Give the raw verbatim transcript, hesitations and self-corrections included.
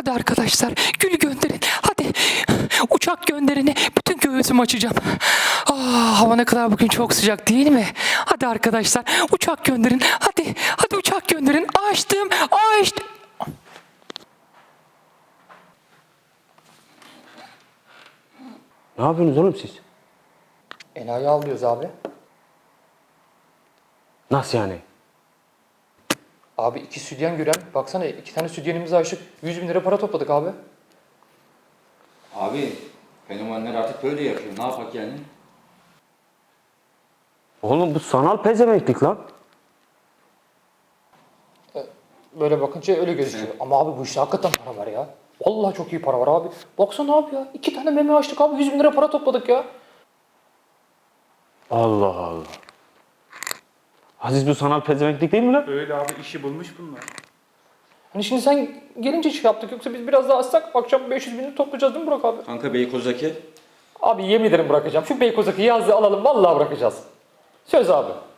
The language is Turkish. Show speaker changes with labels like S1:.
S1: Hadi arkadaşlar gül gönderin. Hadi uçak gönderin. Bütün göğsümü açacağım. Ah, hava ne kadar bugün çok sıcak değil mi? Hadi arkadaşlar uçak gönderin. Hadi hadi uçak gönderin. Açtım açtım.
S2: Ne yapıyorsunuz oğlum siz?
S1: Enayi avlıyoruz abi.
S2: Nasıl yani?
S1: Abi iki sütyen gören. Baksana iki tane sütyenimizi açtık. yüz bin lira para topladık abi.
S3: Abi fenomenler artık böyle yapıyor. Ne yapak yani?
S2: Oğlum bu sanal pezevenklik lan.
S1: Böyle bakınca öyle gözüküyor. Ama abi bu işte hakikaten para var ya. Vallahi çok iyi para var abi. Baksana abi ya. İki tane meme açtık abi. yüz bin lira para topladık ya.
S2: Allah Allah. Aziz bu sanal pezevenklik değil mi lan?
S4: Öyle abi işi bulmuş bunlar.
S1: Hani şimdi sen gelince şey yaptık. Yoksa biz biraz daha açsak akşam beş yüz bin lira toplayacağız değil mi Burak abi?
S3: Kanka Beykoz'daki
S1: Abi yemin ederim bırakacağım. Şu Beykoz'daki yazlığı alalım. Vallahi bırakacağız. Söz abi.